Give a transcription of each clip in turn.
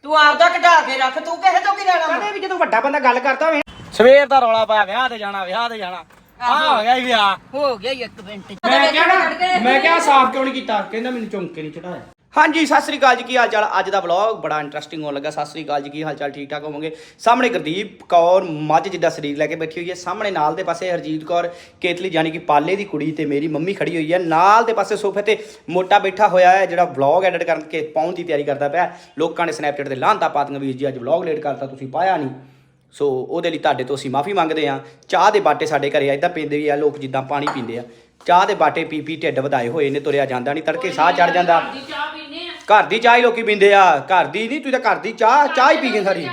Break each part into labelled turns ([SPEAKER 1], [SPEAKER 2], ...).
[SPEAKER 1] ਤੂੰ ਆਪਦਾ ਕਢਾ ਕੇ ਰੱਖ, ਤੂੰ ਕਿਸੇ ਤੋਂ ਕੀ ਲੈਣਾ?
[SPEAKER 2] ਕਦੇ ਵੀ ਜਦੋਂ ਵੱਡਾ ਬੰਦਾ ਗੱਲ ਕਰਦਾ ਹੋਵੇ ਸਵੇਰ ਦਾ ਰੌਲਾ ਪਾਇਆ ਵਿਆਹ ਤੇ ਜਾਣਾ ਵਿਆਹ ਤੇ ਜਾਣਾ ਆ ਹੋ ਗਿਆ ਹੀ ਵਿਆਹ
[SPEAKER 1] ਹੋ ਗਿਆ 1 ਮਿੰਟ।
[SPEAKER 2] ਮੈਂ ਕਿਹਾ ਸਾਫ਼ ਕਿਉਂ ਨਹੀਂ ਕੀਤਾ? ਕਹਿੰਦਾ ਮੈਨੂੰ ਚੌਂਕੇ ਨਹੀਂ ਚੜਾਇਆ। ਹਾਂਜੀ ਸਤਿ ਸ੍ਰੀ ਅਕਾਲ ਜੀ, ਕੀ ਹਾਲ ਚਾਲ? ਅੱਜ ਦਾ ਵਲੌਗ ਬੜਾ ਇੰਟਰਸਟਿੰਗ ਹੋਣ ਲੱਗਾ। ਸਤਿ ਸ੍ਰੀ ਅਕਾਲ ਜੀ, ਕੀ ਹਾਲ ਚਾਲ? ਠੀਕ ਠਾਕ ਹੋਵੋਗੇ? ਸਾਹਮਣੇ ਗੁਰਦੀਪ ਕੌਰ ਮੱਝ ਜਿੱਦਾਂ ਸਰੀਰ ਲੈ ਕੇ ਬੈਠੀ ਹੋਈ ਹੈ, ਸਾਹਮਣੇ ਨਾਲ ਦੇ ਪਾਸੇ ਹਰਜੀਤ ਕੌਰ ਕੇਤਲੀ ਯਾਨੀ ਕਿ ਪਾਲੇ ਦੀ ਕੁੜੀ ਤੇ ਮੇਰੀ ਮੰਮੀ ਖੜੀ ਹੋਈ ਹੈ, ਨਾਲ ਦੇ ਪਾਸੇ ਸੋਫੇ ਤੇ ਮੋਟਾ ਬੈਠਾ ਹੋਇਆ ਹੈ ਜਿਹੜਾ ਵਲੌਗ ਐਡਿਟ ਕਰਕੇ ਪਾਉਣ ਦੀ ਤਿਆਰੀ ਕਰਦਾ ਪਿਆ। ਲੋਕਾਂ ਨੇ ਸਨੈਪਚੈਟ ਤੇ ਲਾਂਤਾ ਪਾਤੀਆਂ ਵੀਰ ਜੀ ਅੱਜ ਵਲੌਗ ਲੇਟ ਕਰਤਾ, ਤੁਸੀਂ ਪਾਇਆ ਨਹੀਂ, ਸੋ ਉਹਦੇ ਲਈ ਤੁਹਾਡੇ ਤੋਂ ਅਸੀਂ ਮਾਫੀ ਮੰਗਦੇ ਹਾਂ। ਚਾਹ ਦੇ ਬਾਟੇ ਸਾਡੇ ਘਰੇ ਇੱਦਾਂ ਪੀਂਦੇ ਵੀ ਆ ਲੋਕ ਜਿੱਦਾਂ ਪਾਣੀ ਪੀਂਦੇ ਆ, ਚਾਹ ਦੇ ਬਾਟੇ ਪੀ ਪੀ ਢਿੱਡ ਵਧਾਏ ਹੋਏ ਨੇ, ਤੁਰਿਆ ਜਾਂਦਾ ਨਹੀਂ, ਤੜਕੇ ਸਾਹ ਚੜ ਜਾਂਦਾ। ਘਰ ਦੀ ਚਾਹ ਹੀ ਲੋਕੀ ਪੀਂਦੇ ਆ, ਘਰ ਦੀ ਨਹੀਂ, ਤੂੰ ਤਾਂ ਘਰ ਦੀ ਚਾਹ ਹੀ ਪੀ ਗਏ ਸਾਰੀ।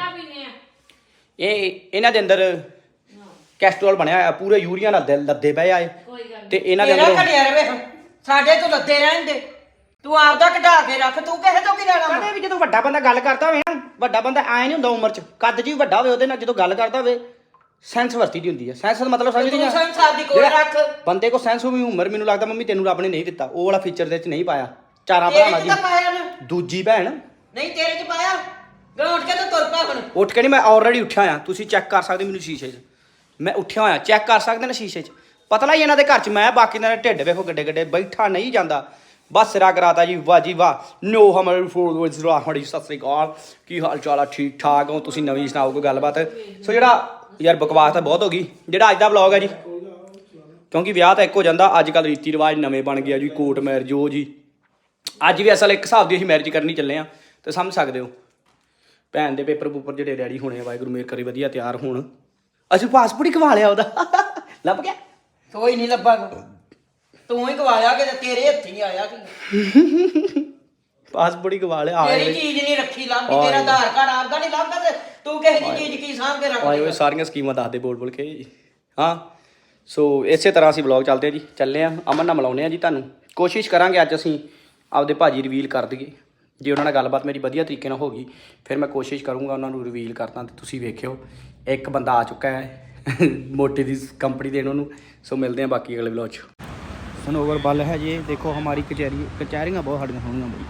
[SPEAKER 2] ਇਹ ਇਹਨਾਂ ਦੇ ਅੰਦਰ ਕੈਸਟਰੋਲ ਬਣਿਆ ਹੋਇਆ, ਪੂਰੇ ਯੂਰੀਆ ਨਾਲ ਲੱਦੇ ਪਏ ਆ ਤੇ ਇਹਨਾਂ ਦੇ ਅੰਦਰ
[SPEAKER 1] ਸਾਡੇ ਤੋਂ ਲੱਦੇ ਰਹਿੰਦੇ, ਤੂੰ ਆਪਦਾ ਕਢਾ ਕੇ ਰੱਖ, ਤੂੰ ਕਿਸੇ ਤੋਂ ਕੀ ਲੈਣਾ?
[SPEAKER 2] ਕਦੇ ਵੀ ਜਦੋਂ ਵੱਡਾ ਬੰਦਾ ਗੱਲ ਕਰਦਾ ਹੋਵੇ ਨਾ, ਵੱਡਾ ਬੰਦਾ ਐ ਨਹੀਂ ਹੁੰਦਾ ਉਮਰ 'ਚ, ਕੱਦ 'ਚ ਵੀ ਵੱਡਾ ਹੋਵੇ, ਉਹਦੇ ਨਾਲ ਜਦੋਂ ਗੱਲ ਕਰਦਾ ਹੋਵੇ ਸੈਂਸ ਵਰਤੀ ਦੀ ਹੁੰਦੀ ਹੈ। ਸੈਂਸ ਦਾ ਮਤਲਬ ਸਮਝਦੀ ਆ?
[SPEAKER 1] ਸੈਂਸ ਆਪਦੀ ਕੋਲ ਰੱਖ।
[SPEAKER 2] ਬੰਦੇ ਕੋ ਸੈਂਸ ਹੋਵੇ ਉਮਰ, ਮੈਨੂੰ ਲੱਗਦਾ ਮੰਮੀ ਤੈਨੂੰ ਰੱਬ ਨੇ ਨਹੀਂ ਦਿੱਤਾ, ਉਹ ਵਾਲਾ ਫੀਚਰ ਦੇ ਵਿੱਚ ਨਹੀਂ ਪਾਇਆ। ਚਾਰਾਂ ਭਰਾਵਾਂ ਦੀ ਦੂਜੀ ਭੈਣ
[SPEAKER 1] ਨਹੀਂ ਤੇਰੇ 'ਚ ਪਾਇਆ। ਮੈਂ ਉੱਠ ਕੇ ਤਾਂ ਤੁਰ ਪਾ ਹੁਣ।
[SPEAKER 2] ਉੱਠ ਕੇ ਨਹੀਂ, ਮੈਂ ਆਲਰੇਡੀ ਉੱਠਿਆ ਆ, ਤੁਸੀਂ ਚੈੱਕ ਕਰ ਸਕਦੇ ਮੈਨੂੰ ਸ਼ੀਸ਼ੇ 'ਚ, ਮੈਂ ਉੱਠਿਆ ਹੋਇਆ, ਚੈੱਕ ਕਰ ਸਕਦੇ ਨੇ ਸ਼ੀਸ਼ੇ 'ਚ। ਪਤਲਾ ਹੀ ਇਹਨਾਂ ਦੇ ਘਰ 'ਚ ਮੈਂ, ਬਾਕੀ ਇਹਨਾਂ ਦੇ ਢਿੱਡ ਵੇਖੋ ਗੱਡੇ ਗੱਡੇ, ਬੈਠਾ ਨਹੀਂ ਜਾਂਦਾ, ਬਸ ਸਿਰਾ ਕਰਾਤਾ ਜੀ। ਵਾਹ ਜੀ ਵਾਹ। ਨੋ ਹਮਾਰੇ ਫੋਲੋਅਰਸ ਰਾਹੜੀ, ਸਤਿ ਸ੍ਰੀ ਅਕਾਲ, ਕੀ ਹਾਲ ਚਾਲ ਆ? ਠੀਕ ਠਾਕ ਹੋ? ਤੁਸੀਂ ਨਵੀਂ ਸੁਣਾਓ ਕੋਈ ਗੱਲਬਾਤ। ਸੋ ਜਿਹੜਾ ਯਾਰ ਬਕਵਾਸ ਤਾਂ ਬਹੁਤ ਹੋ ਗਈ, ਜਿਹੜਾ ਅੱਜ ਦਾ ਵਲੌਗ ਹੈ ਜੀ, ਕਿਉਂਕਿ ਵਿਆਹ ਤਾਂ ਇੱਕ ਹੋ ਜਾਂਦਾ, ਅੱਜ ਕੱਲ੍ਹ ਰੀਤੀ ਰਿਵਾਜ ਨਵੇਂ ਬਣ ਗਿਆ ਜੀ, ਕੋਰਟ ਮੈਰਿਜ ਉਹ ਜੀ। ਅੱਜ ਵੀ ਅਸਲ ਇੱਕ ਹਿਸਾਬ ਦੀ ਅਸੀਂ ਮੈਰਿਜ ਕਰਨੀ ਚੱਲੇ ਆ, ਤੇ ਸਮਝ ਸਕਦੇ ਹੋ। ਭੈਣ ਦੇ ਪੇਪਰ ਪੂਪਰ ਜਿਹੜੇ ਰੈਡੀ ਹੋਣੇ, ਵਾਹਿਗੁਰੂ ਮੇਰ ਕਰੇ ਵਧੀਆ ਤਿਆਰ ਹੋਣ। ਅਸੀਂ ਪਾਸਪੋਰਟ ਹੀ ਕਵਾ ਲਿਆ ਉਹਦਾ, ਲੱਭ ਗਿਆ?
[SPEAKER 1] ਕੋਈ ਨਹੀਂ ਲੱਭਾ, ਤੂੰ ਹੀ ਗਵਾਇਆ ਕਿ ਤੇਰੇ ਹੱਥੀਂ ਆਇਆ ਕਿ
[SPEAKER 2] ਪਾਸਪੋਰਟ ਹੀ ਗਵਾ ਲਿਆ।
[SPEAKER 1] ਤੇਰੀ ਚੀਜ਼ ਨਹੀਂ ਰੱਖੀ ਲੱਭਦੀ, ਤੇਰਾ ਆਧਾਰ ਕਾਰਡ ਆਪਦਾ ਨਹੀਂ ਲੱਭਦਾ ਤੇ ਤੂੰ ਕਿਸੇ ਦੀ ਚੀਜ਼ ਕੀ ਸਾਂਭ ਕੇ ਰੱਖ
[SPEAKER 2] ਆਏ ਓਏ ਸਾਰੀਆਂ ਸਕੀਮਾਂ ਦੱਸਦੇ ਬੋਲ ਬੋਲ ਕੇ। ਹਾਂ ਸੋ ਇਸੇ ਤਰ੍ਹਾਂ ਅਸੀਂ ਵਲੌਗ ਚੱਲਦੇ ਆ ਜੀ, ਚੱਲੇ ਆ ਅਮਨ ਨਾਲ ਮਿਲਾਉਂਦੇ ਆ ਜੀ ਤੁਹਾਨੂੰ। ਕੋਸ਼ਿਸ਼ ਕਰਾਂਗੇ ਅੱਜ ਅਸੀਂ ਆਪਦੇ ਭਾਜੀ ਰਿਵੀਲ ਕਰ ਦਈਏ, ਜੇ ਉਹਨਾਂ ਨਾਲ ਗੱਲਬਾਤ ਮੇਰੀ ਵਧੀਆ ਤਰੀਕੇ ਨਾਲ ਹੋ ਗਈ ਫਿਰ ਮੈਂ ਕੋਸ਼ਿਸ਼ ਕਰੂੰਗਾ ਉਹਨਾਂ ਨੂੰ ਰਿਵੀਲ ਕਰਦਾ, ਤੇ ਤੁਸੀਂ ਵੇਖਿਓ ਇੱਕ ਬੰਦਾ ਆ ਚੁੱਕਾ ਹੈ ਮੋਟੀ ਦੀ ਕੰਪਨੀ ਦੇਣ ਉਹਨੂੰ। ਸੋ ਮਿਲਦੇ ਆ ਬਾਕੀ ਅਗਲੇ ਵਲੌਗ 'ਚ। ਸਨੋਵਰ ਬਲ ਹੈ ਜੀ, ਦੇਖੋ ਹਮਾਰੀ ਕਚਹਿਰੀਆਂ ਬਹੁਤ ਸਾਡੀਆਂ ਸੋਹਣੀਆਂ ਬਈ,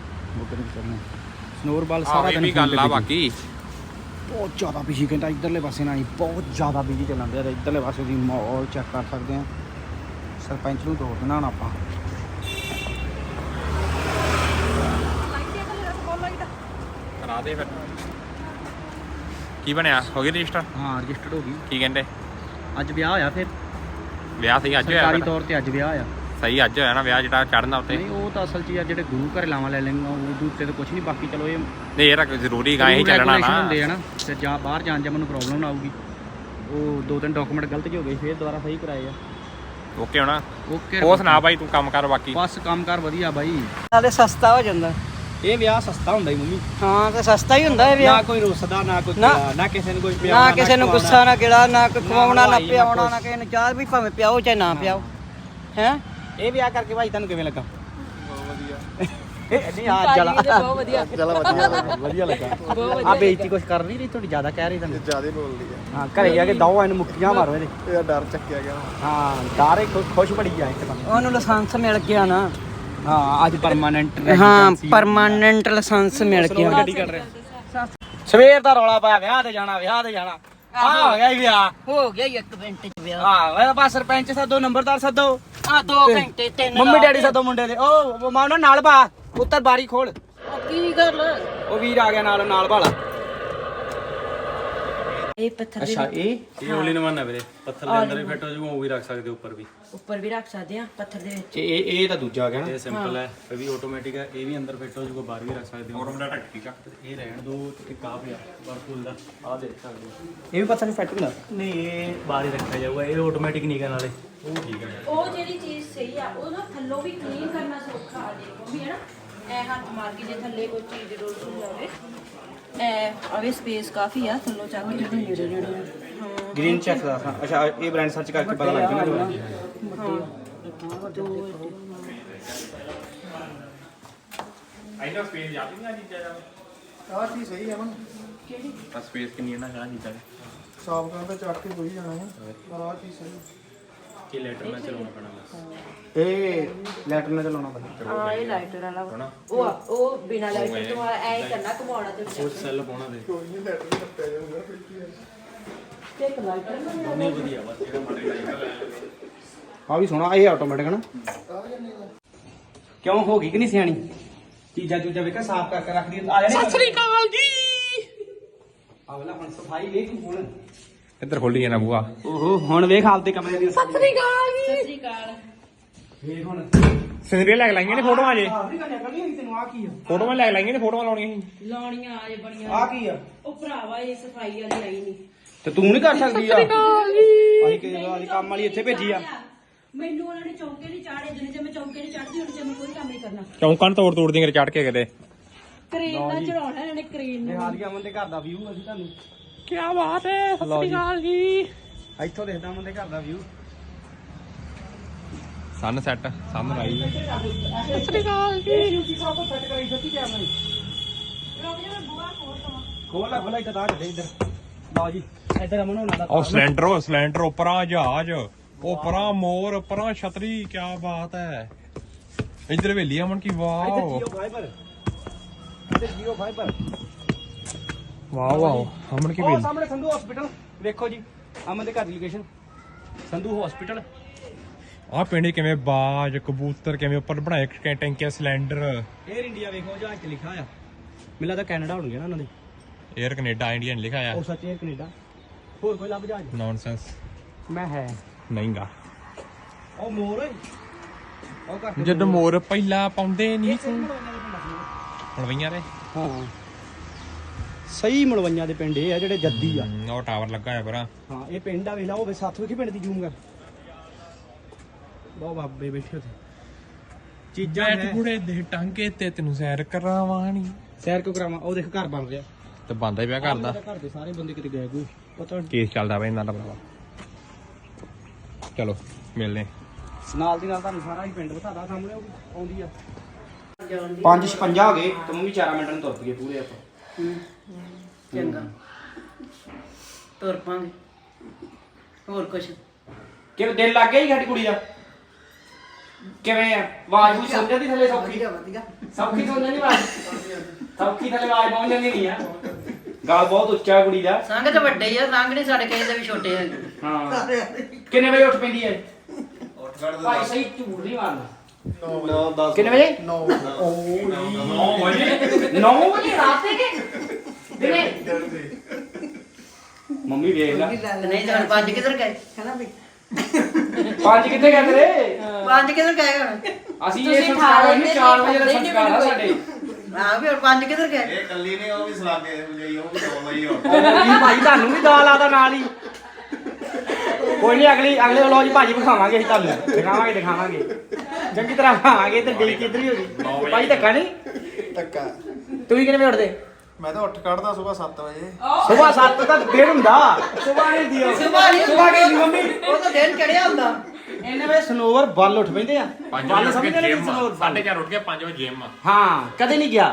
[SPEAKER 2] ਸਨੋਵਰ ਬਲ ਸਾਰਾ ਦਿਨ ਗੱਲ ਆ। ਬਾਕੀ ਬਹੁਤ ਜ਼ਿਆਦਾ ਬਿਜੀ ਕਹਿੰਦਾ ਇੱਧਰਲੇ ਪਾਸੇ ਨਾ, ਬਹੁਤ ਜ਼ਿਆਦਾ ਬਿਜੀ ਚੱਲਣ ਦਿਆ, ਇੱਧਰਲੇ ਪਾਸੇ ਦੀ ਮਾਹੌਲ ਚੈੱਕ ਕਰ ਸਕਦੇ ਹਾਂ। ਸਰਪੰਚ ਨੂੰ ਤੋੜ ਦੇਣਾ ਹੁਣ ਆਪਾਂ।
[SPEAKER 3] ਕਰਾ ਦੇ ਫਿਰ। ਕੀ ਬਣਿਆ? ਹੋ ਗਈ ਰਜਿਸਟਰ?
[SPEAKER 2] ਹਾਂ ਰਜਿਸਟਰਡ ਹੋ ਗਈ।
[SPEAKER 3] ਕੀ ਕਹਿੰਦੇ?
[SPEAKER 2] ਅੱਜ ਵਿਆਹ ਹੋਇਆ, ਫਿਰ
[SPEAKER 3] ਵਿਆਹ ਸਹੀ ਅੱਜ ਹੋਇਆ?
[SPEAKER 2] ਸਰਕਾਰੀ ਤੌਰ ਤੇ ਅੱਜ ਵਿਆਹ ਹੋਇਆ।
[SPEAKER 3] ਸਹੀ ਅੱਜ ਹੋਇਆ ਨਾ ਵਿਆਹ, ਜਿਹੜਾ ਚੜ੍ਹਨਾ ਉੱਤੇ?
[SPEAKER 2] ਨਹੀਂ ਉਹ ਤਾਂ ਅਸਲ 'ਚ ਯਾਰ ਜਿਹੜੇ ਗੁਰੂ ਘਰ ਲਾਵਾਂ ਲੈ ਲੈਂਗਾ ਉਹਦੇ ਉੱਤੇ ਤਾਂ ਕੁਛ ਨਹੀਂ, ਬਾਕੀ ਚਲੋ ਇਹ
[SPEAKER 3] ਨਹੀਂ ਯਾਰ ਜ਼ਰੂਰੀ ਗਾ ਹੀ ਚੱਲਣਾ ਨਾ
[SPEAKER 2] ਹੁੰਦੇ ਆ ਨਾ, ਤੇ ਜਾਂ ਬਾਹਰ ਜਾਣ ਜਾਂ ਮੈਨੂੰ ਪ੍ਰੋਬਲਮ ਨਾ ਆਊਗੀ। ਉਹ 2-3 ਡਾਕੂਮੈਂਟ ਗਲਤ ਜਿਹੇ ਹੋ ਗਏ, ਫਿਰ ਦੁਬਾਰਾ ਸਹੀ ਕਰਾਏ ਆ।
[SPEAKER 3] ਓਕੇ ਹੋਣਾ?
[SPEAKER 2] ਓਕੇ।
[SPEAKER 3] ਹੋਰ ਸੁਣਾ ਬਾਈ, ਤੂੰ ਕੰਮ ਕਰ ਬਾਕੀ?
[SPEAKER 2] ਬਸ ਕੰਮ ਕਾਰ ਵਧੀਆ ਬਾਈ,
[SPEAKER 1] ਨਾਲੇ ਸਸਤਾ ਹੋ ਜਾਂਦਾ
[SPEAKER 2] ਇਹ ਵਿਆਹ ਸਸਤਾ ਹੁੰਦਾ ਹੀ ਮੰਮੀ।
[SPEAKER 1] ਹਾਂ ਤੇ ਸਸਤਾ ਹੀ ਹੁੰਦਾ ਇਹ
[SPEAKER 2] ਨਾ
[SPEAKER 1] ਵਿਆਹ,
[SPEAKER 2] ਕੋਈ ਰੁੱਸਦਾ, ਨਾ ਕੋਈ ਨਾ ਕਿਸੇ ਨੂੰ ਕੋਈ
[SPEAKER 1] ਨਾ ਕਿਸੇ ਨੂੰ ਗੁੱਸਾ, ਨਾ ਗਿਲਾ, ਨਾ ਕੋਈ ਖਵਾਉਣਾ, ਨਾ ਪਿਆਉਣਾ, ਨਾ ਕਿਸੇ ਨੂੰ ਚਾਹ ਵੀ ਭਾਵੇਂ ਪਿਆਓ ਚਾਹੇ ਨਾ ਪਿਆਓ। ਹੈ
[SPEAKER 2] ਇਹ ਵਿਆਹ ਕਰਕੇ ਭਾਈ ਤੁਹਾਨੂੰ ਕਿਵੇਂ ਲੱਗਾ? ਬਹੁਤ ਵਧੀਆ। ਨਹੀਂ ਆ ਜਲਾ
[SPEAKER 4] ਬਹੁਤ ਵਧੀਆ
[SPEAKER 2] ਵਧੀਆ ਲੱਗਾ। ਆ ਬੇਇੱਜ਼ਤੀ ਕੁਛ ਕਰ ਨਹੀਂ ਰਹੀ ਤੁਹਾਡੀ, ਜ਼ਿਆਦਾ ਕਹਿ ਰਹੀ ਤੁਹਾਨੂੰ, ਜ਼ਿਆਦਾ ਬੋਲਦੀ ਆ। ਹਾਂ ਘਰੇ ਜਾ ਕੇ ਦੋ ਇਹਨੂੰ ਮੁੱਕੀਆਂ ਮਾਰੋ ਇਹਦੇ, ਇਹਦਾ ਡਰ ਚੱਕਿਆ ਗਿਆ। ਹਾਂ ਡਰ ਖੁਸ਼ ਬੜੀ ਆ ਇੱਕ ਤਾਂ
[SPEAKER 1] ਉਹਨੂੰ ਲਾਇਸੈਂਸ ਮਿਲ ਗਿਆ ਨਾ।
[SPEAKER 2] ਹਾਂ ਅੱਜ ਪਰਮਾਨੈਂਟ,
[SPEAKER 1] ਹਾਂ ਪਰਮਾਨੈਂਟ ਲਾਇਸੈਂਸ ਮਿਲ ਗਿਆ।
[SPEAKER 2] ਗੱਡੀ ਕੱਢ ਰਿਹਾ ਸਵੇਰ ਦਾ ਰੌਲਾ ਪਾਇਆ ਵਿਆਹ ਤੇ ਜਾਣਾ ਵਿਆਹ ਤੇ ਜਾਣਾ, ਆ ਹੋ ਗਿਆ ਵਿਆਹ,
[SPEAKER 1] ਹੋ ਗਿਆ 1 ਮਿੰਟ ਚ ਵਿਆਹ।
[SPEAKER 2] ਹਾਂ ਬਸ ਸਰਪੰਚ ਸੱਦੋ, ਨੰਬਰਦਾਰ ਸੱਦੋ,
[SPEAKER 1] ਆ 2 ਘੰਟੇ 3
[SPEAKER 2] ਮੰਮੀ ਡੈਡੀ ਸੱਦੋ ਮੁੰਡੇ ਦੇ। ਉਹ ਮਾਂ ਨਾਲ ਪਾ ਉੱਤਰ ਬਾਰੀ ਖੋਲ,
[SPEAKER 1] ਕੀ ਗੱਲ?
[SPEAKER 2] ਉਹ ਵੀਰ ਆ ਗਿਆ ਨਾਲ ਭਾਲਾ।
[SPEAKER 1] ਇਹ ਪੱਥਰ
[SPEAKER 2] ਅੱਛਾ
[SPEAKER 3] ਇਹ ਓਲੀ ਨਵਾਂ ਨਾ ਵੀਰੇ, ਪੱਥਰ ਦੇ ਅੰਦਰ ਵੀ ਫਿੱਟ ਹੋ ਜਾਊਗਾ, ਉਹ ਵੀ ਰੱਖ ਸਕਦੇ ਉੱਪਰ ਵੀ।
[SPEAKER 1] ਉੱਪਰ ਵੀ ਰੱਖ ਸਕਦੇ ਆ ਪੱਥਰ ਦੇ ਵਿੱਚ।
[SPEAKER 2] ਇਹ ਤਾਂ ਦੂਜਾ ਆ ਗਿਆ ਨਾ,
[SPEAKER 3] ਇਹ ਸਿੰਪਲ ਹੈ, ਇਹ ਵੀ ਆਟੋਮੈਟਿਕ ਹੈ, ਇਹ ਵੀ ਅੰਦਰ ਫਿੱਟ ਹੋ ਜਾਊਗਾ, ਬਾਹਰ ਵੀ ਰੱਖ ਸਕਦੇ ਹੋ। ਆਟੋਮੈਟਿਕ ਢੱਕ ਕੇ ਚੱਕ ਇਹ ਰਹਿਣ ਦੋ। ਇੱਕ ਆ ਪਿਆ ਵਰਪੂਲ ਦਾ, ਆ ਦੇਖ ਸਕਦੇ ਹੋ।
[SPEAKER 2] ਇਹ ਵੀ ਪੱਥਰ ਨਹੀਂ ਫਿੱਟ ਹੁੰਦਾ?
[SPEAKER 3] ਨਹੀਂ ਇਹ ਬਾਹਰ ਹੀ ਰੱਖਿਆ ਜਾਊਗਾ, ਇਹ ਆਟੋਮੈਟਿਕ ਨਹੀਂ ਗਾ ਨਾਲੇ, ਉਹ ਠੀਕ ਹੈ।
[SPEAKER 4] ਉਹ ਜਿਹੜੀ ਚੀਜ਼ ਸਹੀ ਆ ਉਹ ਨਾ ਥੱਲੋਂ ਵੀ ਕਲੀਨ ਕਰਨਾ ਸੌਖਾ ਆ, ਦੇਖੋ ਵੀ ਹੈ ਨਾ, ਐ ਹੱਥ ਮਾਰ ਕੇ ਜੇ ਥੱਲੇ ਕੋਈ ਚੀਜ਼ ਰੋਲ ਜਾਵੇ, ਐ ਆਵੇ ਸਪੇਸ ਕਾਫੀ ਆ, ਥੱਲੋਂ ਚੱਕ ਕੇ ਜਿਹੜੇ ਨੇੜੇ ਨੇੜੇ।
[SPEAKER 2] ਗ੍ਰੀਨ ਚੈੱਕ ਦਾ। ਅੱਛਾ ਇਹ ਬ੍ਰਾਂਡ ਸਰਚ ਕਰਕੇ ਪਤਾ ਲੱਗ ਜਾਣਾ।
[SPEAKER 3] ਆਈਨਾ ਸਪੇਸ ਜਾਂਦੀ ਨਹੀਂ ਆ ਚੀਜ਼ਾਂ ਦਾ।
[SPEAKER 5] ਆਹ ਚੀਜ਼ ਸਹੀ ਹੈ ਮਨ,
[SPEAKER 4] ਕਿਹੜੀ
[SPEAKER 3] ਆ ਸਪੇਸ ਕਿੰਨੀ ਹੈ ਨਾ, ਕਿਹੜਾ ਚੀਜ਼ਾਂ
[SPEAKER 5] ਸਾਫ ਕਰਨ ਤਾਂ ਚੱਕ ਕੇ ਕੋਈ ਜਾਣਾ ਹੈ, ਪਰ ਆਹ ਚੀਜ਼ ਸਹੀ।
[SPEAKER 3] ਕਿ ਲੈਟਰ ਨਾਲ ਚਲਾਉਣਾ ਪੈਣਾ ਬਸ
[SPEAKER 2] ਇਹ ਲੈਟਰ ਨਾਲ ਚਲਾਉਣਾ ਪੈਂਦਾ
[SPEAKER 4] ਹਾਂ ਇਹ ਲਾਈਟਰ ਵਾਲਾ ਵਾ। ਉਹ ਬਿਨਾ ਲਾਈਟਰ ਤੋਂ ਐ ਕਰਨਾ ਘੁਮਾਉਣਾ ਤੇ
[SPEAKER 3] ਉਹ ਸੈੱਲ ਪਾਉਣਾ ਦੇ
[SPEAKER 4] ਤੇ ਇੱਕ ਲਾਈਟਰ
[SPEAKER 3] ਨਹੀਂ ਵਧੀਆ ਬਸ ਜਿਹੜਾ ਮਰਜ਼ੀ ਲਾਈਟਰ
[SPEAKER 2] ਆ ਵੀ ਸੋਹਣਾ ਇਹ ਆਟੋਮੈਟਿਕ ਨਾ ਕਿਉਂ ਹੋ ਗਈ ਕਿ ਨਹੀਂ ਸਿਆਣੀ ਚੀਜ਼ਾਂ ਚੂਜ਼ਾਂ ਵੇਖਾ ਸਾਫ਼ ਕਰਕੇ ਰੱਖ ਦੀ ਆ ਜਾਣੇ ਸਤਿ ਸ੍ਰੀ ਅਕਾਲ ਜੀ ਆਵਲਾ ਹੁਣ ਸਫਾਈ ਵੇਖ ਹੁਣ
[SPEAKER 5] ਇੱਧਰ ਖੋਲੀ ਜਾਣਾ ਬੂਆ
[SPEAKER 2] ਓਹੋ ਹੁਣ ਵੇਖ ਆਪਦੇ ਕਮਰੇ ਦੀ
[SPEAKER 4] ਸਤਿ ਸ੍ਰੀ ਅਕਾਲ
[SPEAKER 2] ਵੇਖ ਹੁਣ
[SPEAKER 5] ਸਿਨਰੀਆਂ ਲੈ ਕੇ ਲਾਈਆਂ ਨੇ ਫੋਟੋਆਂ ਜੇ
[SPEAKER 2] ਆਹ ਨਹੀਂ ਕਰਨੀ ਤੈਨੂੰ ਆ ਕੀ ਆ
[SPEAKER 5] ਫੋਟੋਆਂ ਲੈ ਕੇ ਲਾਈਆਂ ਨੇ ਫੋਟੋਆਂ ਲਾਉਣੀਆਂ ਸੀ
[SPEAKER 4] ਲਾਉਣੀਆਂ ਆਏ ਬੜੀਆਂ
[SPEAKER 2] ਆ ਕੀ ਆ
[SPEAKER 4] ਉਹ ਭਰਾਵਾ ਇਹ ਸਫਾਈ ਵਾਲੀ ਆਈ ਨਹੀਂ
[SPEAKER 2] ਤੇ ਤੂੰ ਨਹੀਂ ਕਰ ਸਕਦੀ ਆ ਅਸੀਂ ਕਿ ਕੰਮ ਵਾਲੀ ਇੱਥੇ ਭੇਜੀ ਆ
[SPEAKER 4] ਮੈਨੂੰ ਉਹਨਾਂ ਨੇ ਚੌਂਕੇ ਨਹੀਂ ਚਾੜੇ ਜਿੰਨੇ ਜੇ ਮੈਂ ਚੌਂਕੇ ਨਹੀਂ ਚੜਦੀ ਉਹਨੇ ਮੈਂ ਕੋਈ ਕੰਮ ਨਹੀਂ ਕਰਨਾ
[SPEAKER 5] ਚੌਂਕਾਂ ਨੂੰ ਤੋੜ ਦੀਆਂ ਚੜ ਕੇ ਕਿਤੇ
[SPEAKER 4] ਕਰੇਨ ਨਾਲ ਚੜਾਉਣਾ ਇਹਨਾਂ ਨੇ ਕਰੇਨ ਨੂੰ
[SPEAKER 2] ਹਾਲੀਆ ਅਮਨ ਦੇ ਘਰ ਦਾ ਵਿਊ ਅਸੀਂ ਤੁਹਾਨੂੰ
[SPEAKER 5] ਕੀ ਬਾਤ ਹੈ ਸਤਿ ਸ੍ਰੀ ਅਕਾਲ ਜੀ
[SPEAKER 2] ਇੱਥੋਂ ਦੇਖਦਾ ਅਮਨ ਦੇ ਘਰ ਦਾ ਵਿਊ
[SPEAKER 5] ਸਨ ਸੈੱਟ ਸਨ ਰਾਈ
[SPEAKER 2] ਸਤਿ ਸ੍ਰੀ ਅਕਾਲ ਜੀ ਸਭ ਸੈੱਟ ਕਰਾਈ ਸੱਚੀ ਕਿਆ ਨਹੀਂ
[SPEAKER 4] ਰੁਕ ਜਾ ਮੈਂ ਬੁਆ ਖੋਲ
[SPEAKER 2] ਖੋਲਾ ਇੱਥੇ ਤਾਂ ਕੱਢੇ ਇੱਧਰ ਲਓ ਜੀ ਇੱਧਰ ਅਮਨ ਹੋਣਾ ਦਾ
[SPEAKER 5] ਉਹ ਸਿਲੰਡਰ ਉੱਪਰਾਂ ਜਹਾਜ਼ ਉੱਪਰਾਂ ਮੋਰ ਉੱਪਰਾਂ ਛਤਰੀ ਕੀ ਬਾਤ ਹੈ ਇੱਧਰ ਹਵੇਲੀ ਅਮਨ ਕੀ ਵਾਓ
[SPEAKER 2] ਜੀਓ ਫਾਈਬਰ ਇੱਧਰ ਜੀਓ ਫਾਈਬਰ
[SPEAKER 5] ਵਾਓ ਅਮਨ ਕੀ
[SPEAKER 2] ਉਹ
[SPEAKER 5] ਹਵੇਲੀ
[SPEAKER 2] ਸਾਹਮਣੇ ਸੰਧੂ ਹਸਪੀਟਲ ਵੇਖੋ ਜੀ ਅਮਨ ਦੇ ਘਰ ਦੀ ਲੋਕੇਸ਼ਨ ਸੰਧੂ ਹਸਪੀਟਲ
[SPEAKER 5] ਆਹ ਪਿੰਡ ਕਿਵੇਂ ਬਾਜ ਕਬੂਤਰ ਕਿਵੇਂ ਉੱਪਰ ਬਣਾਏ ਟੈਂਕੀਆਂ ਸਿਲੰਡਰ
[SPEAKER 2] 에ਅਰ ਇੰਡੀਆ ਵੇਖੋ ਜਹਾਜ਼ 'ਚ ਲਿਖਿਆ ਆ ਮੈਨੂੰ ਲੱਗਦਾ ਕੈਨੇਡਾ ਹੋਣਗੇ ਨਾ ਉਹਨਾਂ ਦੇ
[SPEAKER 5] 에ਅਰ ਕੈਨੇਡਾ ਇੰਡੀਆ ਨੇ ਲਿਖਿਆ
[SPEAKER 2] ਉਹ ਸੱਚ 에ਅਰ ਕੈਨੇਡਾ ਹੋਰ ਕੋਈ ਲੱਭ ਜਹਾਜ਼
[SPEAKER 5] ਨੌਨਸੈਂਸ
[SPEAKER 2] ਮੈਂ ਹੈ
[SPEAKER 5] ਨਹੀਂਗਾ
[SPEAKER 2] ਉਹ ਮੋਰ ਓਏ ਉਹ ਘਰ
[SPEAKER 5] ਜਦ ਮੋਰ ਪਹਿਲਾਂ ਪਾਉਂਦੇ ਨਹੀਂ ਸੀ ਮਲਵਈਆਂ ਦੇ
[SPEAKER 2] ਹਾਂ ਸਹੀ ਮਲਵਈਆਂ ਦੇ ਪਿੰਡ ਇਹ ਆ ਜਿਹੜੇ ਜੱਦੀ ਆ
[SPEAKER 5] ਉਹ ਟਾਵਰ ਲੱਗਾ ਹੋਇਆ ਪਰਾਂ
[SPEAKER 2] ਹਾਂ ਇਹ ਪਿੰਡ ਆ ਵੇਖ ਲਾ ਉਹ ਸਾਥ ਵੇਖੀ ਪਿੰਡ ਦੀ ਜ਼ੂਮ ਕਰ ਬਹੁਤ ਬਾਬੇ ਬੈਠੇ ਉੱਥੇ ਚੀਜ਼ਾਂ
[SPEAKER 5] ਬੈਠ
[SPEAKER 2] ਹੈ
[SPEAKER 5] ਗੁੜੇ ਦੇ ਟਾਂਗੇ ਤੇ ਤੈਨੂੰ ਸੈਰ ਕਰਾਵਾਣੀ
[SPEAKER 2] ਸੈਰ ਕਿਉਂ ਕਰਾਵਾਂ ਉਹ ਦੇਖ ਘਰ ਬਣ ਰਿਹਾ
[SPEAKER 5] ਤੇ ਬੰਦਾ ਹੀ ਪਿਆ ਕਰਦਾ
[SPEAKER 2] ਘਰ ਦੇ ਸਾਰੇ ਬੰਦੇ ਕਿਤੇ ਗਏ ਕੋਈ ਪਤਾ ਨਹੀਂ
[SPEAKER 5] ਕੇਸ ਚੱਲਦਾ ਪਿਆ ਇਹਨਾਂ ਦਾ ਭਰਾਵਾ ਚਲੋ ਮਿਲਦੇ
[SPEAKER 2] ਨਾਲ ਦੀ ਨਾਲ ਤੁਹਾਨੂੰ ਸਾਰਾ ਹੀ ਪਿੰਡ ਬਤਾਦਾ ਸਾਹਮਣੇ ਉਹ ਵੀ ਆਉਂਦੀ ਆ 5:56 ਹੋ ਗਏ ਤੇ ਮੰਮੀ 4 ਮਿੰਟਾਂ ਨੂੰ ਤੁਰ ਪਈਏ ਪੂਰੇ ਆਪਾਂ
[SPEAKER 1] ਚੰਗਾ ਤੁਰ ਪਾਂਗੇ ਹੋਰ ਕੁਛ
[SPEAKER 2] ਕਿਵੇਂ ਦਿਲ ਲੱਗ ਗਿਆ ਜੀ ਸਾਡੀ ਕੁੜੀ ਦਾ ਕਿਵੇਂ ਆ ਆਵਾਜ਼ ਵੀ ਸੁਣ ਜਾਂਦੀ ਥੱਲੇ ਸੌਖੀ
[SPEAKER 1] ਵਧੀਆ
[SPEAKER 2] ਸੌਖੀ ਸੁਣ ਜਾਂਦੀ ਆਵਾਜ਼ ਸੌਖੀ ਥੱਲੇ ਆਵਾਜ਼ ਪਹੁੰਚ ਜਾਂਦੀ ਨਹੀਂ ਆ ਗਾਲ ਬਹੁਤ ਉੱਚਾ ਕੁੜੀ ਦਾ
[SPEAKER 1] ਸੰਗ ਤੇ ਵੱਡੇ ਹੀ ਆ ਸੰਗ ਨਹੀਂ ਸਾਡੇ ਕਿਸੇ ਦੇ ਵੀ ਛੋਟੇ ਆ
[SPEAKER 2] ਹਾਂ ਕਿੰਨੇ ਵਜੇ ਉੱਠ ਪੈਂਦੀ ਹੈ ਭਾਈ ਸਹੀ ਝੂਠ ਨਹੀਂ ਮਾਰਨਾ 9 ਕਿੰਨੇ ਵਜੇ 9 ਵਜੇ 9 ਵਜੇ ਰਾਤ ਦੇ ਦਿਨੇ ਮੰਮੀ ਵੇਖ ਲੈ
[SPEAKER 1] ਨਹੀਂ ਤਾਂ 5 ਕਿੱਧਰ ਗਏ ਹੈਨਾ ਵੀ
[SPEAKER 2] 5 ਕਿੱਥੇ ਗਏ ਤੇਰੇ
[SPEAKER 1] 5 ਕਿੱਧਰ ਗਏ ਹੁਣ
[SPEAKER 2] ਅਸੀਂ ਇਹ ਸੰਸਕਾਰ ਹੋਏ ਨੇ 4 ਵਜੇ ਦਾ ਸੰਸਕਾਰ ਆ ਸਾਡੇ
[SPEAKER 1] ਹਾਂ ਵੀ ਹੁਣ 5 ਕਿੱਧਰ ਗਏ
[SPEAKER 6] ਇਹ ਕੱਲੀ ਨੇ ਉਹ ਵੀ ਸਲਾਗੇ ਬੁਝਾਈ ਉਹ ਵੀ ਦੋ ਲਈ ਹੋਰ
[SPEAKER 2] ਕੀ ਭਾਈ ਤੁਹਾਨੂੰ ਵੀ ਦਾਲ ਆਦਾ ਨਾਲ ਹੀ ਕੋਈ ਨਹੀਂ ਅਗਲੇ ਵਲੋਗ 'ਚ ਭਾਜੀ ਵਿਖਾਵਾਂਗੇ ਅਸੀਂ ਤੁਹਾਨੂੰ ਦਿਖਾਵਾਂਗੇ ਚੰਗੀ ਤਰ੍ਹਾਂ ਖਾਵਾਂਗੇ ਤੇ ਡੀ ਕਿੱਧਰ ਹੀ ਹੋ ਗਈ ਭਾਈ ਧੱਕਾ ਨਹੀਂ
[SPEAKER 6] ਟੱਕਾ
[SPEAKER 2] ਤੂੰ ਵੀ ਕਿੰਨੇ ਵਜੇ ਉੱਠਦੇ
[SPEAKER 6] ਮੈਂ ਤਾਂ ਉੱਠ ਕੱਢਦਾ ਸਵੇਰ 7 ਵਜੇ
[SPEAKER 2] ਸਵੇਰ 7 ਤੱਕ ਦਿਨ ਹੁੰਦਾ ਸਵੇਰ ਨਹੀਂ ਦਿਓ ਸਵੇਰ ਕਹਿੰਦੀ ਮੰਮੀ
[SPEAKER 1] ਉਹ ਤਾਂ ਦਿਨ ਚੜਿਆ ਹੁੰਦਾ
[SPEAKER 2] ਇੰਨੇ ਵਜੇ ਸਨੋਵਰ ਬੱਲ ਉੱਠ ਪੈਂਦੇ ਆ ਬੱਲ ਸਮਝਦੇ ਨੇ ਸਨੋਵਰ
[SPEAKER 5] 4:30 ਉੱਠ ਕੇ 5 ਵਜੇ ਜਿਮ
[SPEAKER 2] ਹਾਂ ਕਦੇ ਨਹੀਂ ਗਿਆ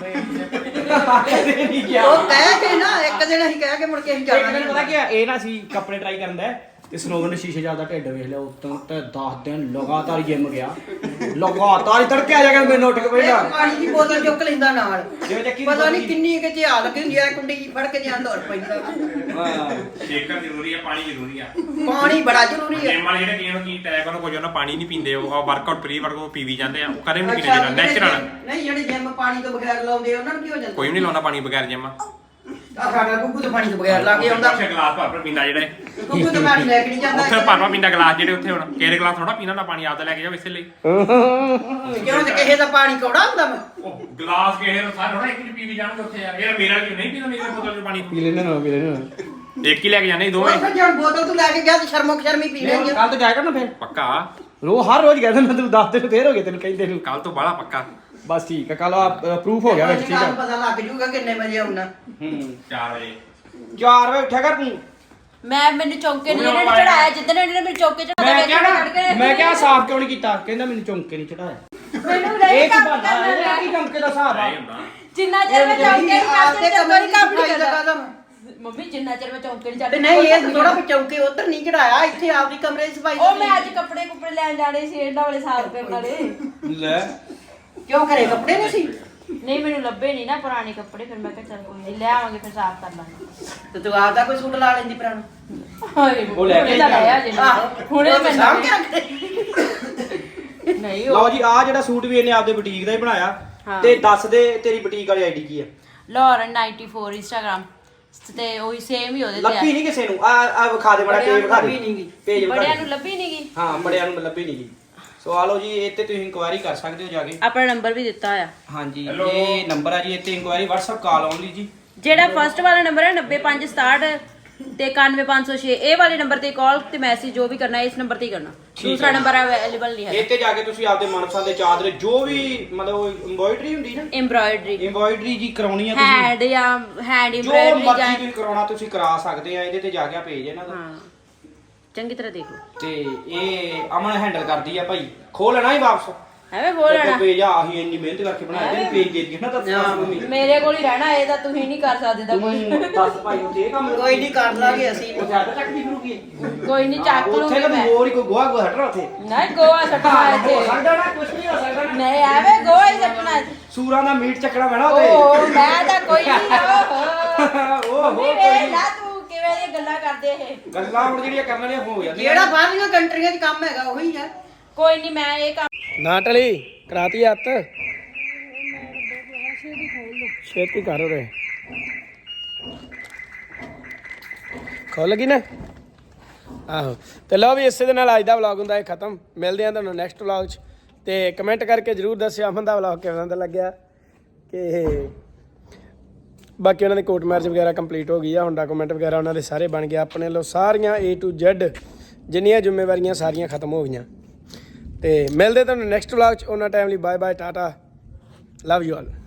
[SPEAKER 2] ਕਦੇ ਨਹੀਂ ਗਿਆ
[SPEAKER 1] ਉਹ ਕਹਿ ਕੇ ਨਾ ਇੱਕ ਦਿਨ ਅਸੀਂ ਕਹਿ ਕੇ ਮੁੜ ਕੇ ਅਸੀਂ
[SPEAKER 2] ਇੱਕ
[SPEAKER 1] ਜਾਣਾ
[SPEAKER 2] ਦਿਨ ਪਤਾ ਕੀ ਆ ਇਹ ਨਾ ਸੀ ਕੱਪੜੇ ਟਰਾਈ ਕਰਨ ਦਾ ਤੇ ਸਨੋਵਰ ਨੇ ਸ਼ੀਸ਼ੇ ਜਿਆਦਾ ਢਿੱਡ ਵੇਖ ਲਿਆ ਉਤੋਂ ਤੇ 10 ਦਿਨ ਲਗਾਤਾਰ ਜਿਮ ਗਿਆ ਲਗਾਤਾਰ ਤੜਕੇ ਆ ਜਾ ਕੇ ਮੈਨੂੰ ਉੱਠ ਕੇ ਬੈਠਾ
[SPEAKER 1] ਪਾਣੀ ਦੀ ਬੋਤਲ ਚੁੱਕ ਲੈਂਦਾ ਨਾਲ
[SPEAKER 2] ਜਿਵੇਂ ਚੱਕੀ
[SPEAKER 1] ਪਤਾ ਨਹੀਂ ਕਿੰਨੀ ਕਿ ਝਿਆ ਲੱਗੀ ਹੁੰਦੀ ਆ ਕੁੰਡੀ ਜਿਹੀ ਫੜ ਕੇ ਜਾਂ ਦੌੜ ਪੈਂਦਾ
[SPEAKER 5] ਸ਼ੇਕਰ ਜ਼ਰੂਰੀ ਹੈ ਪਾਣੀ ਜ਼ਰੂਰੀ ਆ
[SPEAKER 1] ਪਾਣੀ ਬੜਾ ਜ਼ਰੂਰੀ ਹੈ
[SPEAKER 5] ਜਿਮ ਵਾਲੇ ਜਿਹੜੇ ਕਈਆਂ ਨੂੰ ਕੀ ਟੈਗ ਉਹਨੂੰ ਕੁਝ ਉਹਨਾਂ ਪਾਣੀ ਨਹੀਂ ਪੀਂਦੇ ਉਹ ਵਰਕਆਊਟ ਪ੍ਰੀ ਵਰਕਆਊਟ ਪੀਵੀ ਜਾਂਦੇ ਆ ਉਹ ਕਦੇ ਨਹੀਂ ਪੀਣੇ ਦੇਣਾ ਨੈਚੁਰਲ
[SPEAKER 1] ਨਹੀਂ ਜਿਹੜੇ ਜਿਮ ਪਾਣੀ ਤੋਂ ਬਗੈਰ ਲਾਉਂਦੇ ਉਹਨਾਂ ਨੂੰ ਕੀ ਹੋ ਜਾਂਦਾ
[SPEAKER 5] ਕੋਈ ਵੀ ਨਹੀਂ ਲਾਉਣਾ ਪਾਣੀ ਬਗੈਰ ਜਿਮ
[SPEAKER 1] ਆ ਸਾਡਾ ਗੁੱਗੂ ਤੋਂ ਪਾਣੀ ਤੋਂ ਬਗੈਰ ਲਾ ਕੇ ਆਉਂਦਾ
[SPEAKER 5] ਗਲਾਸ ਭਰ ਪੀਂਦਾ ਜਿਹੜੇ
[SPEAKER 1] ਗੁੱਗੂ ਤੋਂ ਪਾਣੀ ਲੈ ਕੇ ਨਹੀਂ ਜਾਂਦਾ
[SPEAKER 5] ਉੱਥੇ ਭਰ ਪੀਂਦਾ ਗਲਾਸ ਜਿਹੜੇ ਉੱਥੇ ਹੁਣ ਕਿਹੜੇ ਗਲਾਸ ਥੋੜਾ ਪੀਣਾ ਨਾ ਪਾਣੀ ਆਪਦਾ ਲੈ ਕੇ ਜਾਓ ਇਸੇ ਲਈ
[SPEAKER 1] ਕਿਉਂ ਤੇ ਕਿਸੇ ਦਾ ਪਾਣੀ ਕੌੜਾ ਹੁੰਦਾ ਮੈਂ
[SPEAKER 5] ਉਹ ਗਲਾਸ ਕਿਸੇ ਨੂੰ ਸਾਰੇ ਥੋੜਾ ਇੱਕ ਚ ਪੀਵੀ ਜਾਣਗੇ ਉੱਥੇ ਯਾਰ ਇਹ ਮੇਰਾ ਕਿਉਂ ਨਹੀਂ ਪੀਂਦਾ ਮੇਰੇ ਬੋਤਲ ਚ ਪਾਣੀ
[SPEAKER 2] ਪੀ ਲੈਣੇ ਨਾ
[SPEAKER 5] ਇੱਕ ਹੀ ਲੈ ਕੇ ਜਾਣੇ ਦੋਵੇਂ
[SPEAKER 1] ਉਹ ਫਿਰ ਜਦ ਬੋਤਲ ਤੂੰ ਲੈ ਕੇ ਗਿਆ ਤੇ ਸ਼ਰਮੀ ਪੀ ਲੈਂਗੇ
[SPEAKER 2] ਕੱਲ ਤੋਂ ਜਾਇਆ ਕਰ ਨਾ ਫਿਰ
[SPEAKER 5] ਪੱਕਾ
[SPEAKER 2] ਹਰ ਰੋਜ਼ ਕਹਿੰਦਾ ਮੈਂ ਤੈਨੂੰ 10 ਦਿਨ ਫੇਰ ਹੋ ਗਏ ਤੈਨੂੰ ਕਹਿੰਦੇ ਨੂੰ
[SPEAKER 5] ਕੱਲ ਤੋਂ ਬਾਹਲਾ ਪੱਕਾ
[SPEAKER 2] ਬਸ ਠੀਕ ਹੈ ਕੱਲ ਪ੍ਰੂਫ ਹੋ ਗਿਆ ਵਿੱਚ ਠੀਕ ਹੈ
[SPEAKER 1] ਪਤਾ ਲੱਗ ਜੂਗਾ ਕਿੰਨੇ ਵਜੇ ਆਉਣਾ
[SPEAKER 2] ਹੂੰ
[SPEAKER 5] 4 ਵਜੇ
[SPEAKER 2] 4 ਵਜੇ ਉੱਠਿਆ ਕਰ ਤੂੰ
[SPEAKER 4] ਮੈਨੂੰ ਚੌਂਕੇ ਨਹੀਂ ਇਹਨਾਂ ਨੇ ਚੜਾਇਆ ਜਿੱਦਣ ਇਹਨਾਂ ਨੇ ਮੈਨੂੰ ਚੌਂਕੇ ਚੜਾਇਆ
[SPEAKER 2] ਮੈਂ ਕਿਹਾ ਸਾਫ਼ ਕਿਉਂ ਨਹੀਂ ਕੀਤਾ ਕਹਿੰਦਾ ਮੈਨੂੰ ਚੌਂਕੇ ਨਹੀਂ ਚੜਾਇਆ
[SPEAKER 4] ਮੈਨੂੰ
[SPEAKER 2] ਇਹ ਕੀ ਬਹਾਨਾ ਹੈ ਇਹ ਕੀ ਚੌਂਕੇ ਦਾ ਹਿਸਾਬ ਆ
[SPEAKER 5] ਨਹੀਂ ਹੁੰਦਾ
[SPEAKER 4] ਜਿੰਨਾ ਚਿਰ ਮੈਂ ਚੌਂਕੇ ਨਹੀਂ ਕਰਦੇ ਤੇ ਕੋਈ ਕੰਮ ਨਹੀਂ ਕਰਦਾ ਮੰਮੀ ਜਿੰਨਾ ਚਿਰ ਮੈਂ ਚੌਂਕੇ ਨਹੀਂ
[SPEAKER 1] ਤੇ
[SPEAKER 4] ਚੜ੍ਹਦੀ
[SPEAKER 1] ਨਹੀਂ ਇਹ ਥੋੜਾ ਚੌਂਕੇ ਉਧਰ ਨਹੀਂ ਚੜਾਇਆ, ਇੱਥੇ ਆਪਦੀ ਕਮਰੇ ਦੀ ਸਫਾਈ
[SPEAKER 4] ਉਹ ਮੈਂ ਅੱਜ ਕੱਪੜੇ ਕੁੱਪੜੇ ਲੈਣ ਜਾਣੇ ਸੀ ਇਹਨਾਂ ਵਾਲੇ ਸਾਫ਼ ਕਰਨ ਵਾਲੇ
[SPEAKER 2] ਲੈ
[SPEAKER 1] ਕਿਉਂ ਘਰੇ ਕੱਪੜੇ ਨਹੀਂ ਸੀ?
[SPEAKER 4] ਨਹੀਂ ਮੈਨੂੰ ਲੱਭੇ ਨਹੀਂ ਨਾ ਪੁਰਾਣੇ ਕੱਪੜੇ, ਫਿਰ ਮੈਂ ਕਿਹਾ ਚੱਲ ਕੋਈ ਨਹੀਂ ਲੈ ਆਵਾਂਗੇ, ਫਿਰ ਸਾਫ਼ ਕਰ ਲਾਂਗੇ।
[SPEAKER 1] ਤੇ ਤੂੰ ਆਪਦਾ ਕੋਈ ਸੂਟ ਲਾ ਲੈਂਦੀ ਪੁਰਾਣਾ।
[SPEAKER 4] ਹਾਏ
[SPEAKER 2] ਉਹ ਲੈ ਕੇ
[SPEAKER 4] ਲਾਇਆ ਜੇ ਹੁਣੇ ਮੈਂ
[SPEAKER 1] ਸਾਂਭ ਕੇ ਰੱਖ ਦੇ।
[SPEAKER 4] ਨਹੀਂ
[SPEAKER 2] ਲਓ ਜੀ ਆ ਜਿਹੜਾ ਸੂਟ ਵੀ ਇਹਨੇ ਆਪਦੇ ਬੁਟੀਕ ਦਾ ਹੀ ਬਣਾਇਆ।
[SPEAKER 4] ਹਾਂ।
[SPEAKER 2] ਤੇ ਦੱਸ ਦੇ ਤੇਰੀ ਬੁਟੀਕ ਵਾਲੀ ਆਈਡੀ ਕੀ ਆ?
[SPEAKER 4] Lauren 94 ਇੰਸਟਾਗ੍ਰਾਮ ਤੇ ਉਹੀ ਸੇਮ ਹੀ ਉਹਦੇ ਤੇ
[SPEAKER 2] ਲੱਭੀ ਨਹੀਂ ਕਿਸੇ ਨੂੰ। ਆ ਵਿਖਾ ਦੇ ਬੜਾ
[SPEAKER 1] ਬੜਿਆਂ
[SPEAKER 2] ਪੇਜ
[SPEAKER 1] ਨੂੰ
[SPEAKER 2] ਵਿਖਾ
[SPEAKER 1] ਲੱਭੀ
[SPEAKER 2] ਦੇ
[SPEAKER 1] ਨੀ ਗੀ।
[SPEAKER 2] ਪੇਜ ਵਿਖਾ
[SPEAKER 4] ਬੜਿਆਂ
[SPEAKER 2] ਦੇ।
[SPEAKER 4] ਨੂੰ ਲੱਭੀ ਨਹੀਂ ਗਈ।
[SPEAKER 2] ਹਾਂ ਬੜਿਆਂ ਨੂੰ ਲੱਭੀ ਨਹੀਂ ਗਈ। ਸੋ ਆ ਲਓ ਜੀ ਇਹ ਤੇ ਤੁਸੀਂ ਇਨਕੁਆਇਰੀ ਕਰ ਸਕਦੇ ਹੋ ਜਾ ਕੇ।
[SPEAKER 4] ਆਪਣਾ ਨੰਬਰ ਵੀ ਦਿੱਤਾ ਆ।
[SPEAKER 2] ਹਾਂਜੀ ਇਹ ਨੰਬਰ ਆ ਜੀ, ਇੱਥੇ ਇਨਕੁਆਇਰੀ WhatsApp ਕਾਲ ਓਨਲੀ ਜੀ।
[SPEAKER 4] ਜਿਹੜਾ ਫਸਟ ਵਾਲਾ ਨੰਬਰ ਹੈ 90567 ਤੇ 91506, ਇਹ ਵਾਲੇ ਨੰਬਰ ਤੇ ਕਾਲ ਤੇ ਮੈਸੇਜ ਜੋ ਵੀ ਕਰਨਾ ਇਸ ਨੰਬਰ ਤੇ ਹੀ ਕਰਨਾ। ਦੂਸਰਾ ਨੰਬਰ ਅਵੇਲੇਬਲ ਨਹੀਂ ਹੈ।
[SPEAKER 2] ਇੱਥੇ ਜਾ ਕੇ ਤੁਸੀਂ ਆਪਦੇ ਮਨਪਸੰਦ ਦੇ ਚਾਦਰੇ ਜੋ ਵੀ ਮਤਲਬ ਐਮਬ੍ਰਾਇਡਰੀ ਹੁੰਦੀ ਨਾ, ਐਮਬ੍ਰਾਇਡਰੀ ਜੀ ਕਰਾਉਣੀ ਆ ਤੁਸੀਂ,
[SPEAKER 4] ਹੈਂਡ ਜਾਂ ਹੈਂਡ
[SPEAKER 2] ਜੋ
[SPEAKER 4] ਐਮਬ੍ਰਾਇਡਰੀ
[SPEAKER 2] ਮਰਜ਼ੀ
[SPEAKER 4] ਜਾਂ
[SPEAKER 2] ਤੁਸੀਂ ਕਰਾਉਣਾ ਤੁਸੀਂ ਕਰਾ ਸਕਦੇ ਆ। ਇਹਦੇ ਤੇ ਜਾ ਕੇ ਆ ਪੇਜ ਇਹਨਾਂ ਦਾ
[SPEAKER 4] ਹਾਂ ਚੰਗੀ ਤਰ੍ਹਾਂ ਦੇਖ ਲਓ।
[SPEAKER 2] ਤੇ ਇਹ ਅਮਨ ਹੈਂਡਲ ਕਰਦੀ ਆ ਭਾਈ। ਖੋਲ ਲੈਣਾ ਹੀ ਵਾਪਸ
[SPEAKER 4] ਐਵੇਂ ਖੋਲ ਲੈਣਾ।
[SPEAKER 2] ਪੇਜ ਆ ਅਸੀਂ ਇੰਨੀ ਮਿਹਨਤ ਕਰਕੇ ਬਣਾਇਆ ਤੇ ਪੇਜ ਦੇ ਦਿੱਤੀ ਨਾ ਤਾਂ
[SPEAKER 4] ਮੇਰੇ ਕੋਲ ਹੀ ਰਹਿਣਾ, ਇਹ ਤਾਂ ਤੁਸੀਂ ਨਹੀਂ ਕਰ ਸਕਦੇ ਤਾਂ ਕੋਈ
[SPEAKER 2] ਦੱਸ ਭਾਈ ਉੱਥੇ ਇਹ ਕੰਮ
[SPEAKER 1] ਕੋਈ ਨਹੀਂ ਕਰ ਲਾਂਗੇ ਅਸੀਂ।
[SPEAKER 2] ਉਹ ਜ਼ਿਆਦਾ ਚੱਕਦੀ ਫਿਰੂਗੀ
[SPEAKER 4] ਕੋਈ ਨਹੀਂ ਚੱਕ
[SPEAKER 2] ਉੱਥੇ
[SPEAKER 4] ਲੂੰਗੀ
[SPEAKER 2] ਤਾਂ
[SPEAKER 4] ਮੈਂ।
[SPEAKER 2] ਹੋਰ ਹੀ ਕੋਈ ਗੋਹਾ ਗੋਹਾ ਹਟਣਾ ਉੱਥੇ
[SPEAKER 4] ਨਹੀਂ ਗੋਆ ਸੱਟਣਾ ਇੱਥੇ।
[SPEAKER 2] ਹੋ ਸਕਦਾ ਨਾ ਕੁਝ ਨਹੀਂ ਹੋ ਸਕਦਾ ਨਾ।
[SPEAKER 4] ਨਹੀਂ ਐਵੇਂ ਗੋਆ ਹੀ ਸੱਟਣਾ ਇੱਥੇ।
[SPEAKER 2] ਸੂਰਾਂ ਦਾ ਮੀਟ ਚੱਕਣਾ ਪੈਣਾ ਉੱਥੇ।
[SPEAKER 4] ਓ ਮੈਂ ਤਾਂ ਕੋਈ ਨਹੀਂ ਓਹੋ
[SPEAKER 2] ਓਹੋ
[SPEAKER 4] ਵੇ ਲਾ ਤੂੰ ਕਿਵੇਂ ਦੀਆਂ ਗੱਲਾਂ ਕਰਦੇ ਇਹ।
[SPEAKER 2] ਗੱਲਾਂ ਹੁਣ ਜਿਹੜੀਆਂ ਕਰਨ ਵਾਲੀਆਂ ਹੋ ਜਾਂਦੀਆਂ।
[SPEAKER 1] ਜਿਹੜਾ ਬਾਹਰਲੀਆਂ ਕੰਟਰੀਆਂ 'ਚ ਕੰਮ ਹੈਗਾ ਉਹੀ ਆ।
[SPEAKER 4] ਕੋਈ ਨਹੀਂ ਮੈਂ ਇਹ ਕੰਮ
[SPEAKER 7] ਨਾ ਟਲੀ ਕਰਾਤੀ ਹੱਥ ਛੇਤੀ ਕਰ ਰੇ ਖੋਲ ਲਗੀ ਨਾ ਆਹੋ। ਤੇ ਲਓ ਵੀ ਇਸੇ ਦੇ ਨਾਲ ਅੱਜ ਦਾ ਵਲੌਗ ਹੁੰਦਾ ਹੈ ਖਤਮ। ਮਿਲਦੇ ਹਾਂ ਤੁਹਾਨੂੰ ਨੈਕਸਟ ਵਲੌਗ 'ਚ। ਤੇ ਕਮੈਂਟ ਕਰਕੇ ਜਰੂਰ ਦੱਸਿਓ ਅਮਨ ਦਾ ਵਲੌਗ ਕਿਵੇਂ ਦਾ ਲੱਗਿਆ। ਕਿ ਬਾਕੀ ਉਹਨਾਂ ਦੀ ਕੋਰਟ ਮੈਰਿਜ ਵਗੈਰਾ ਕੰਪਲੀਟ ਹੋ ਗਈ ਆ, ਹੁਣ ਡਾਕੂਮੈਂਟ ਵਗੈਰਾ ਉਹਨਾਂ ਦੇ ਸਾਰੇ ਬਣ ਗਏ। ਆਪਣੇ ਲੋ ਸਾਰੀਆਂ A to Z ਜਿੰਨੀਆਂ ਜ਼ਿੰਮੇਵਾਰੀਆਂ ਸਾਰੀਆਂ ਖਤਮ ਹੋ ਗਈਆਂ। ਤੇ ਮਿਲਦੇ ਤੁਹਾਨੂੰ ਨੈਕਸਟ ਵਲੌਗ 'ਚ। ਉਹਨਾਂ ਟਾਈਮ ਲਈ bye bye tata love you all.